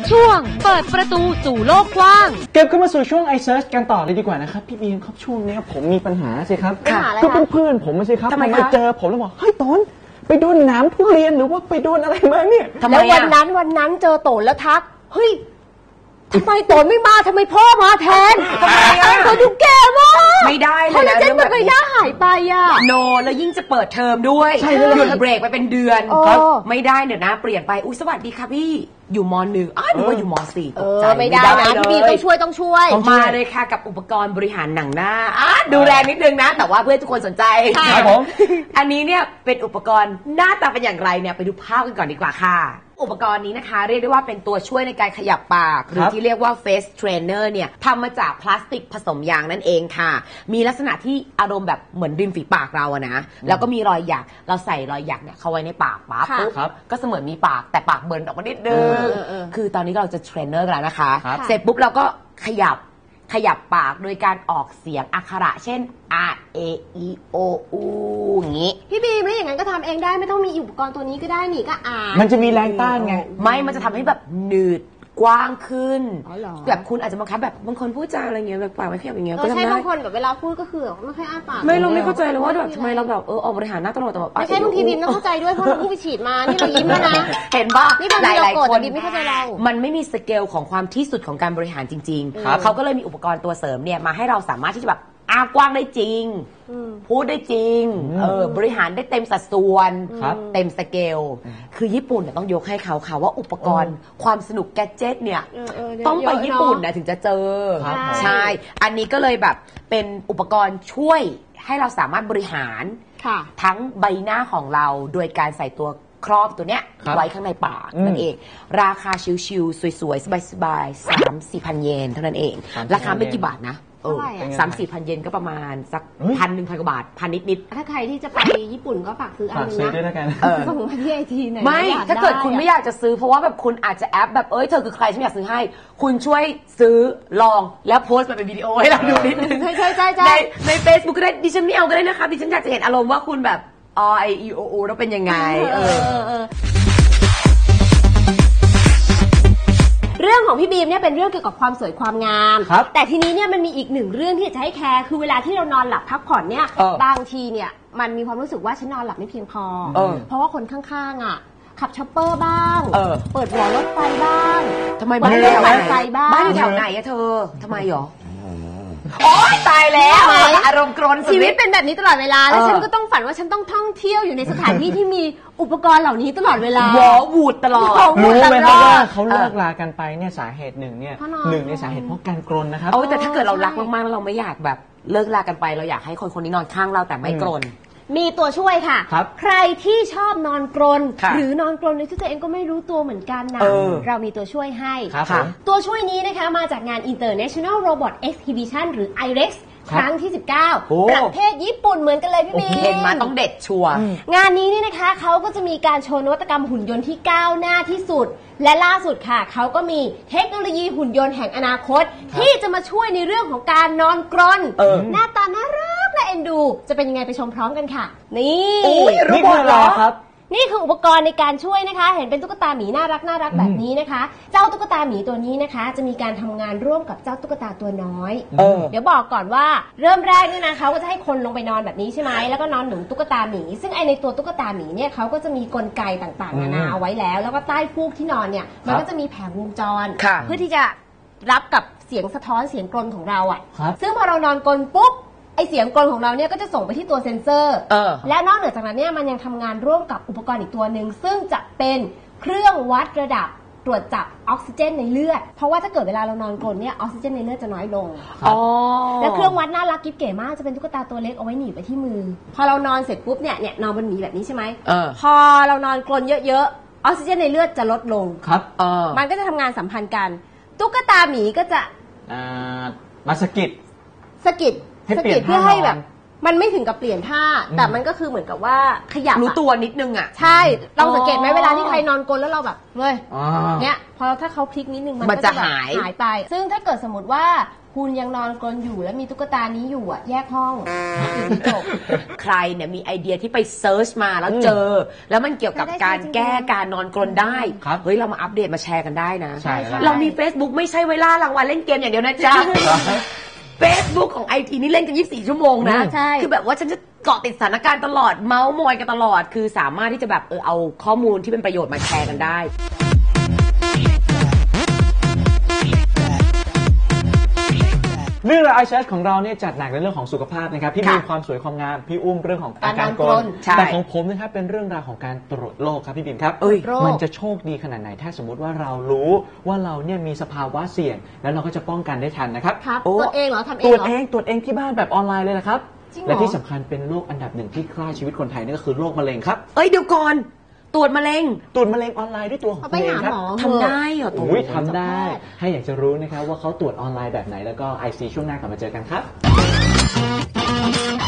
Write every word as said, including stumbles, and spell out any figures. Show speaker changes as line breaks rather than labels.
ช่วงเปิดประตูสู่โลกกว้าง
เก็บเข้ามาสู่ช่วง ไอ เซิร์ช กันต่อเลยดีกว่านะครับพี่บีมครับช่วงนี้ผมมีปัญหาสิครับก็เป็นเพื่อนผมไม่ใช่ครับทำไมเจอผมแล้วบอกเฮ้ยตอนไปโดนน้ำทุเรียนหรือว่าไปโดนอะไรมาเนี่ย
แล้ววันนั้นวันนั้นเจอโตนแล้วทักเฮ้ยทำไมโตนไม่มาทำไมพ่อมาแทนทำไมอ่ะโตนดูแก่มาก
ไม่ได้เลยนะ
เรื่องแบบนี้ย่าหายไปอ่ะ
โนแล้วยิ่งจะเปิดเทอมด้วยหยุดเบรกไปเป็นเดือนไม่ได้เดี๋ยวนะเปลี่ยนไปอุ้ยสวัสดีค่ะพี่อยู่ม.หนึ่งอ้าวหนูว่าอยู่ม.สี่ตกใจ
ไม่ได้นะพี่บีต้องช่วยต้องช่วย
มาเลยค่ะกับอุปกรณ์บริหารหนังหน้าดูแลนิดนึงนะแต่ว่าเพื่อทุกคนสนใจ
ครับผม
อันนี้เนี่ยเป็นอุปกรณ์หน้าตาเป็นอย่างไรเนี่ยไปดูภาพกันก่อนดีกว่าค่ะอุปกรณ์นี้นะคะเรียกได้ว่าเป็นตัวช่วยในการขยับปากหรือที่เรียกว่า face trainer เนี่ยทำมาจากพลาสติกผสมยางนั่นเองค่ะมีลักษณะที่อารมณ์แบบเหมือนริมฝีปากเราอะนะแล้วก็มีรอยหยักเราใส่รอยหยักเนี่ยเข้าไว้ในปากปั๊บปุ๊บก็เสมือนมีปากแต่ปากเบิร์นออกมานิดนึงคือตอนนี้เราจะเทรนเนอร์กันแล้วนะคะเสร็จปุ๊บเราก็ขยับขยับปากโดยการออกเสียงอักขระเช่น R A E O U อย่างนี้
พี่บีมแล้วอย่างนั้นก็ทำเองได้ไม่ต้องมีอุปกรณ์ตัวนี้ก็ได้นี่ก็อ่าน
มันจะมีแรงต้านไง
ไม่มันจะทำให้แบบหนืดกว้างขึ้นแบบคุณอาจจะบางครั้งแบบบางคนพูดจาอะไรเงี้ยแบบปากไม่ขยับอย่างเงี้ย
ก็ใช่บางคนแบบเวลาพูดก็คือไม่ค่อยอ้าปาก
ไม่เราไม่เข้าใจเลยว่าแบบทำไมเราแบบเออออกบริหารหน้าตลอดแต่แบบ
ไม่ใช่บางทีบีมต้องเข้าใจด้วยเพราะเราเพิ่งไปฉีดมานี่เรายิ้มแล้วนะ
เห็นป่ะ
หลายหลายคนบีมไม่เข้าใจเรา
มันไม่มีสเกลของความที่สุดของการบริหารจริงๆเขาก็เลยมีอุปกรณ์ตัวเสริมเนี่ยมาให้เราสามารถที่จะแบบอ้ากว้างได้จริงพูดได้จริงเออบริหารได้เต็มสัดส่วนเต็มสเกลคือญี่ปุ่นเนี่ยต้องยกให้เขาค่ะว่าอุปกรณ์ความสนุกแกดเจ็ตเนี่ยต้องไปญี่ปุ่นนะถึงจะเจอใช่อันนี้ก็เลยแบบเป็นอุปกรณ์ช่วยให้เราสามารถบริหารทั้งใบหน้าของเราโดยการใส่ตัวครอบตัวเนี้ยไว้ข้างในปากนั่นเองราคาชิวๆสวยๆสบายๆสามสี่พันเยนเท่านั้นเองราคาไม่กี่บาทนะเออสามสี่พันเยนก็ประมาณสักพันหนึ่งพันกว่าบาทพันนิดนิด
ถ้าใครที่จะไปญี่ปุ่นก็ฝากซื้ออันนึง
นะ
ส่งมาที่ไอทีหน่อย
ไม่ถ้าเกิดคุณไม่อยากจะซื้อเพราะว่าแบบคุณอาจจะแอปแบบเอ้ยเธอคือใครฉันอยากซื้อให้คุณช่วยซื้อลองแล้วโพสต์มาเป็นวิดีโอให้เราดูนิดนึง
ใช่ใช่ใช่
ในใน เฟซบุ๊ก ก็ได้ดิฉันไม่เอาก็ได้นะคะดิฉันอยากจะเห็นอารมณ์ว่าคุณแบบอไออีโอโอแล้วเป็นยังไงเออ
เรื่องของพี่บีมเนี่ยเป็นเรื่องเกี่ยวกับความสวยความงามแต่ทีนี้เนี่ยมันมีอีกหนึ่งเรื่องที่จะให้แคร์คือเวลาที่เรานอนหลับพักผ่อนเนี่ยบางทีเนี่ยมันมีความรู้สึกว่าฉันนอนหลับไม่เพียงพอเพราะว่าคนข้างๆอ่ะขับช็อปเปอร์บ้างเปิดหัวรถไฟบ้าง
ทำไมบ้านอยู่แถวไหนบ้านอยู่แถวไหนอะเธอทำไมหรอโอ๊ยตายแล้วอารมณ์กรน
ชีวิตเป็นแบบนี้ตลอดเวลาแล้วฉันก็ต้องฝันว่าฉันต้องท่องเที่ยวอยู่ในสถานที่ที่มีอุปกรณ์เหล่านี้ตลอดเวลาว
อวูดตลอด
รู้ไหมครับว่าเขาเลิกลากันไปเนี่ยสาเหตุหนึ่งเนี่ยหนึ่งในสาเหตุเพราะการกรนนะครับ
โอ้แต่ถ้าเกิดเรารักมากๆแล้วเราไม่อยากแบบเลิกลากันไปเราอยากให้คนคนนี้นอนข้างเราแต่ไม่กรน
มีตัวช่วยค่ะใครที่ชอบนอนกรนหรือนอนกรนในที่ตัวเองก็ไม่รู้ตัวเหมือนกันนะเรามีตัวช่วยให้ตัวช่วยนี้นะคะมาจากงาน International Robot Exhibition หรือ ไอ เร็กซ์ ครั้งที่สิบเก้าประเทศญี่ปุ่นเหมือนกันเลยพี่บี
เห็นมาต้องเด็ดชัวร์
งานนี้นี่นะคะเขาก็จะมีการโชว์นวัตกรรมหุ่นยนต์ที่ก้าวหน้าที่สุดและล่าสุดค่ะเขาก็มีเทคโนโลยีหุ่นยนต์แห่งอนาคตที่จะมาช่วยในเรื่องของการนอนกรนหน้าตาน่ารักและเอ็นดูจะเป็นยังไงไปชมพร้อมกันค่ะนี่
นี่คืออะไรครับ
นี่คืออุปกรณ์ในการช่วยนะคะเห็นเป็นตุ๊กตาหมีน่ารักน่ารักแบบนี้นะคะเจ้าตุ๊กตาหมีตัวนี้นะคะจะมีการทำงานร่วมกับเจ้าตุ๊กตาตัวน้อยเออเดี๋ยวบอกก่อนว่าเริ่มแรกเนี่ยนะเขาก็จะให้คนลงไปนอนแบบนี้ใช่ไหมแล้วก็นอนหนุนตุ๊กตาหมีซึ่งไอในตัวตุ๊กตาหมีเนี่ยเขาก็จะมีกลไกต่างๆนานาเอาไว้แล้วแล้วก็ใต้ฟูกที่นอนเนี่ยมันก็จะมีแผงวงจรเพื่อที่จะรับกับเสียงสะท้อนเสียงกรนของเราอ่ะซึ่งพอเรานอนกรนปุ๊บไอเสียงกรนของเราเนี่ยก็จะส่งไปที่ตัวเซ็นเซอร์และนอกเหนือจากนั้นเนี่ยมันยังทำงานร่วมกับอุปกรณ์อีกตัวหนึ่งซึ่งจะเป็นเครื่องวัดระดับตรวจจับออกซิเจนในเลือดเพราะว่าถ้าเกิดเวลาเรานอนกรนเนี่ยออกซิเจนในเลือดจะน้อยลงแล้วเครื่องวัดน่ารักกิ๊บเก๋มากจะเป็นตุ๊กตาตัวเล็กเอาไว้หนีบไปที่มือพอเรานอนเสร็จปุ๊บเนี่ยเนี่ยนอนบนหมีแบบนี้ใช่ไหมพอเรานอนกรนเยอะๆออกซิเจนในเลือดจะลดลง
ครับ
มันก็จะทำงานสัมพันธ์กันตุ๊กตาหมีก็จะ
มาสกิด
สกิดสกิดเพื่อให้แบบมันไม่ถึงกับเปลี่ยนท่าแต่มันก็คือเหมือนกับว่าขยับ
รู้ตัวนิดนึงอ่ะ
ใช่ลองสังเกตไหมเวลาที่ใครนอนกลนแล้วเราแบบเฮ้ยเนี้ยพอถ้าเขาพลิกนิดนึงมันก็จะหายหายไปซึ่งถ้าเกิดสมมติว่าคุณยังนอนกรนอยู่แล้วมีตุ๊กตานี้อยู่อ่ะแยกห้องจบ
ใครเนี่ยมีไอเดียที่ไปเซิร์ชมาแล้วเจอ แล้วมันเกี่ยวกับการแก้การนอนกรนได้เฮ้ยเรามาอัปเดตมาแชร์กันได้นะเรามี Facebook ไม่ใช่ไว้ล่ารางวัลเล่นเกมอย่างเดียวนะจ๊ะ Facebook ของ ไอ ที นี่เล่นกันยี่สิบสี่ชั่วโมงนะคือแบบว่าฉันจะเกาะติดสถานการณ์ตลอดเมาส์มอยกันตลอดคือสามารถที่จะแบบเออเอาข้อมูลที่เป็นประโยชน์มาแชร์กันได้
เรื่องราวไอแชทของเราเนี่ยจัดหนักในเรื่องของสุขภาพนะครับพี่มีความสวยความงามพี่อุ้มเรื่องของอาการกรนแต่ของผมนะครับเป็นเรื่องราวของการตรวจโรคครับพี่บิมครับมันจะโชคดีขนาดไหนถ้าสมมติว่าเรารู้ว่าเราเนี่ยมีสภาวะเสี่ยงแล้วเราก็จะป้องกันได้ทันนะครับ
ตรวจเองเหรอทำเอง
ตรวจเองตรวจเองที่บ้านแบบออนไลน์เลยนะครับและที่สำคัญเป็นโรคอันดับหนึ่งที่ฆ่าชีวิตคนไทยนั่นก็คือโรคมะเร็งครับ
เอ้ยเดี๋ยวก่อนตรวจมะเร็ง
ตรวจมะเร็งออนไลน์ด้วยตัวของตัวเองครับ
ทำได้เหรอ
อุ้ยทำได้ให้อยากจะรู้นะครับว่าเขาตรวจออนไลน์แบบไหนแล้วก็ ไอ ซี ช่วงหน้ากลับมาเจอกันครับ